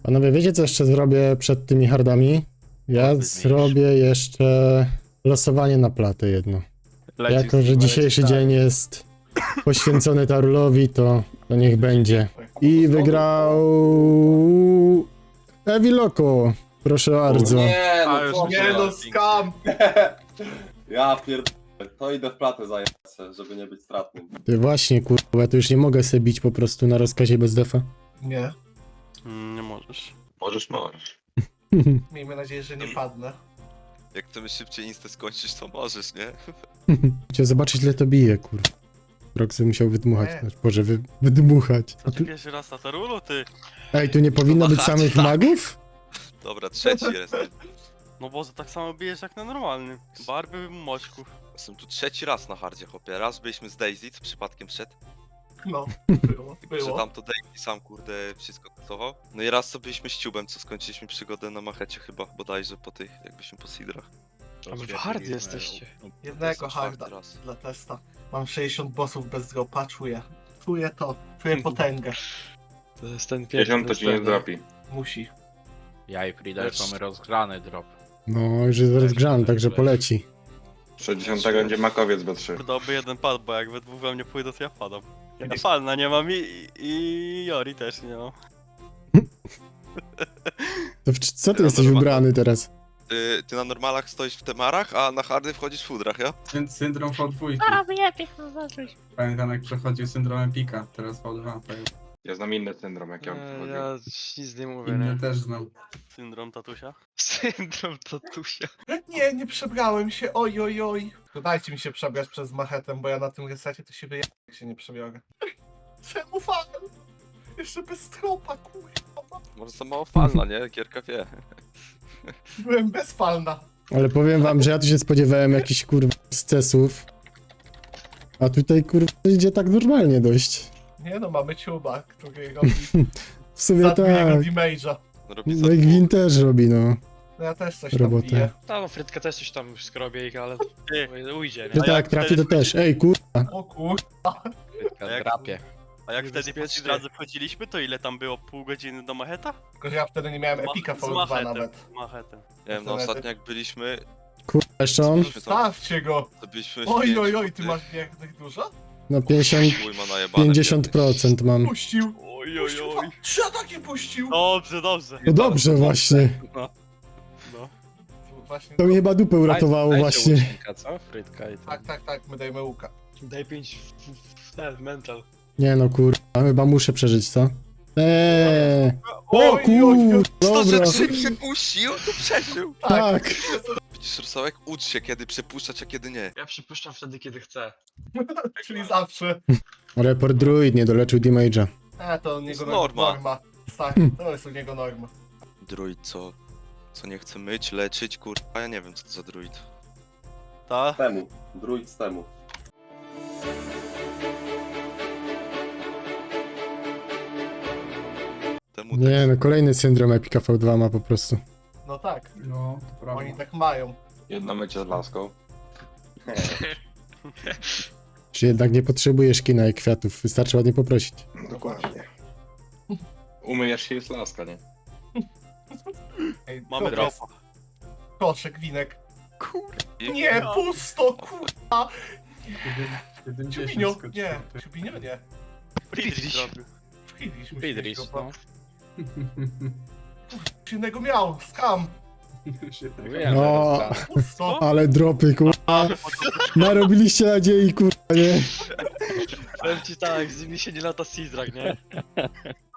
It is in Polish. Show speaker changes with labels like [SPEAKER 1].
[SPEAKER 1] Panowie, wiecie co jeszcze zrobię przed tymi hardami? Ja zrobię jeszcze losowanie na platę jedno. Jako, że dzisiejszy dzień jest poświęcony Tarulowi, to niech będzie. I wygrał... Evi Loco. Proszę bardzo.
[SPEAKER 2] Nie,
[SPEAKER 3] A,
[SPEAKER 2] no
[SPEAKER 3] już
[SPEAKER 2] co?
[SPEAKER 3] myślałem.
[SPEAKER 2] Nie no, skam! Ja pierdolę, to idę w platę zajęć, żeby nie być stratnym.
[SPEAKER 1] Ty właśnie, kurwa, ja to już nie mogę sobie bić po prostu na rozkazie bez defa.
[SPEAKER 4] Nie.
[SPEAKER 3] Nie możesz.
[SPEAKER 5] Możesz.
[SPEAKER 4] Miejmy nadzieję, że nie padnę.
[SPEAKER 5] Jak chcemy szybciej insta skończyć, to możesz, nie?
[SPEAKER 1] Chciał zobaczyć, ile to bije, kurwa. Roxy musiał wydmuchać.
[SPEAKER 4] Nie.
[SPEAKER 1] Znaczy, Boże, wydmuchać.
[SPEAKER 3] Co ty pierwszy raz na Tarulu, ty?
[SPEAKER 1] Ej, tu nie powinno być
[SPEAKER 5] Machać,
[SPEAKER 1] samych
[SPEAKER 5] tak.
[SPEAKER 1] magów?
[SPEAKER 5] Dobra, trzeci jest.
[SPEAKER 3] No Boże, tak samo bijesz jak na normalnym. Barby moćku.
[SPEAKER 5] Jestem tu trzeci raz na hardzie, chłopie. Raz byliśmy z Daisy, co przypadkiem wszedł.
[SPEAKER 4] No, było,
[SPEAKER 5] Że
[SPEAKER 4] było.
[SPEAKER 5] tam to Daisy sam, kurde, wszystko kasował. No i raz co byliśmy z Ciubem, co skończyliśmy przygodę na machecie chyba, bodajże po tych, jakbyśmy po seedrach.
[SPEAKER 6] A wy w hard jesteście.
[SPEAKER 4] Jednego
[SPEAKER 5] Jestem
[SPEAKER 4] harda
[SPEAKER 5] czwarty raz.
[SPEAKER 4] dla testa. Mam 60 bossów bez dropa, czuję. Czuję to. Czuję potęgę.
[SPEAKER 6] To jest ten
[SPEAKER 7] 50 to ci nie dropi.
[SPEAKER 4] Musi.
[SPEAKER 8] Ja i Frida już mamy rozgrany drop.
[SPEAKER 1] No, już jest rozgrzany, także poleci.
[SPEAKER 7] 60 będzie makowiec B3.
[SPEAKER 3] Kurde, oby jeden padł, bo jak we dwóch we mnie pójdą, to ja padam. Ja Falna nie mam i Jori też nie mam.
[SPEAKER 1] To co ty
[SPEAKER 5] Ja
[SPEAKER 1] jesteś
[SPEAKER 5] normalnie-
[SPEAKER 1] ubrany teraz?
[SPEAKER 5] Ty na normalach stoisz w temarach, a na hardy wchodzisz w fudrach, ja?
[SPEAKER 9] Więc syndrom V2.
[SPEAKER 10] A, wyjebie, zobaczyć.
[SPEAKER 9] Pamiętam jak przechodził syndrom Epika, teraz V2. To jest
[SPEAKER 7] Ja znam inny syndrom, jak ja bym
[SPEAKER 6] Nie,
[SPEAKER 7] przechodził.
[SPEAKER 6] ja nic nie mówię,
[SPEAKER 9] inny
[SPEAKER 6] nie?
[SPEAKER 9] też znam.
[SPEAKER 3] Syndrom tatusia.
[SPEAKER 6] Syndrom tatusia.
[SPEAKER 4] Nie, nie przebrałem się, oj, oj, oj. Dajcie mi się przebrać przez machetę, bo ja na tym resecie to się wyjadę, jak się nie przebiorę. Czemu fan? Jeszcze bez tropa, kurwa.
[SPEAKER 5] Może za mało falna, nie? Gierka wie.
[SPEAKER 4] Byłem bezfalna.
[SPEAKER 1] Ale powiem wam, że ja tu się spodziewałem jakichś kurwa scesów. A tutaj kurwa idzie tak normalnie dość.
[SPEAKER 4] Nie no, mamy ciuba, który robi
[SPEAKER 1] W sumie
[SPEAKER 4] za drugiego
[SPEAKER 1] tak.
[SPEAKER 4] damage'a.
[SPEAKER 5] Robi
[SPEAKER 1] No i Gwin też robi, no.
[SPEAKER 4] No ja też coś tam
[SPEAKER 1] Robotę.
[SPEAKER 4] biję.
[SPEAKER 6] No, Frytka też coś tam wszystko robi, ale ujdzie,
[SPEAKER 1] Że
[SPEAKER 6] nie?
[SPEAKER 1] tak, trafi to też. Ej, kurwa.
[SPEAKER 4] O kur...
[SPEAKER 8] Frytka
[SPEAKER 3] A jak-
[SPEAKER 8] drapie.
[SPEAKER 3] A jak wtedy po
[SPEAKER 6] Niebezpiecznie.
[SPEAKER 3] drodze wchodziliśmy, to ile tam było? Pół godziny do macheta?
[SPEAKER 4] Tylko że ja wtedy nie miałem epika
[SPEAKER 3] Z
[SPEAKER 4] V2
[SPEAKER 3] machetem,
[SPEAKER 4] nawet.
[SPEAKER 3] z machetem.
[SPEAKER 5] Nie wiem, no ostatnio jak byliśmy,
[SPEAKER 1] Kurwa, jeszcze on?
[SPEAKER 5] byliśmy tam,
[SPEAKER 4] Stawcie go!
[SPEAKER 5] to byliśmy w
[SPEAKER 4] Oj,
[SPEAKER 5] pięciu,
[SPEAKER 4] oj, oj, ty
[SPEAKER 5] ty.
[SPEAKER 4] masz biegnych dużo?
[SPEAKER 1] No 50,
[SPEAKER 5] Chuj ma najebane,
[SPEAKER 1] 50% mam.
[SPEAKER 4] Puścił!
[SPEAKER 3] Oj, oj,
[SPEAKER 4] Puścił
[SPEAKER 3] oj.
[SPEAKER 4] 3 ataki puścił!
[SPEAKER 3] Dobrze, dobrze.
[SPEAKER 1] No dobrze właśnie.
[SPEAKER 3] No.
[SPEAKER 4] Właśnie,
[SPEAKER 1] To mi chyba dupę uratowało
[SPEAKER 8] Dajcie
[SPEAKER 1] właśnie.
[SPEAKER 8] łucznika, co? Frytka i
[SPEAKER 4] tak, tak, tak, my dajmy łuka.
[SPEAKER 6] Daj 5 w ten, mental.
[SPEAKER 1] Nie no kurwa, chyba muszę przeżyć, co? O
[SPEAKER 4] Oj,
[SPEAKER 1] kur...
[SPEAKER 5] To, że
[SPEAKER 1] Dobra,
[SPEAKER 5] Grzyb się puścił, to przeżył.
[SPEAKER 1] tak.
[SPEAKER 5] Widzisz, Rosołek, ucz się kiedy przepuszczać, a kiedy nie.
[SPEAKER 6] Ja przypuszczam wtedy, kiedy chcę.
[SPEAKER 4] Czyli zawsze.
[SPEAKER 1] Report druid nie doleczył damage'a.
[SPEAKER 4] To u niego
[SPEAKER 5] norma.
[SPEAKER 4] Tak, to jest u niego norma.
[SPEAKER 5] Druid, co nie chce myć, leczyć, kurwa, ja nie wiem co to za druid.
[SPEAKER 3] Ta?
[SPEAKER 2] Temu, druid z temu.
[SPEAKER 5] Temu
[SPEAKER 1] Nie no, kolejny syndrom Epika V2 ma po prostu.
[SPEAKER 4] No tak,
[SPEAKER 9] No, to prawda.
[SPEAKER 4] oni tak mają.
[SPEAKER 7] Jedno mycie z laską.
[SPEAKER 1] Czy jednak nie potrzebujesz kina i kwiatów, wystarczy ładnie poprosić.
[SPEAKER 7] Dokładnie. Umyjesz się jest laska, nie?
[SPEAKER 4] Ej,
[SPEAKER 3] Mamy
[SPEAKER 4] dobra,
[SPEAKER 3] dropa.
[SPEAKER 4] Koszek, winek.
[SPEAKER 5] I-
[SPEAKER 4] Nie, pusto, kurwa!
[SPEAKER 9] 70
[SPEAKER 4] Ciubinio,
[SPEAKER 9] skoczyło,
[SPEAKER 4] nie,
[SPEAKER 9] ty.
[SPEAKER 4] Ciubinio nie.
[SPEAKER 3] Friedrich zrobił.
[SPEAKER 4] Friedrich musi
[SPEAKER 8] Friedrich,
[SPEAKER 4] mieć
[SPEAKER 8] no.
[SPEAKER 4] Coś innego miał, skam.
[SPEAKER 9] Się tak-
[SPEAKER 8] Mówiłem,
[SPEAKER 1] No.
[SPEAKER 8] że rozgrany.
[SPEAKER 4] Pusto.
[SPEAKER 1] Ale dropy, kurwa. Narobiliście nadziei, kurwa, nie?
[SPEAKER 6] Powiem ci tak, z nimi się nie lata Sidrak, nie?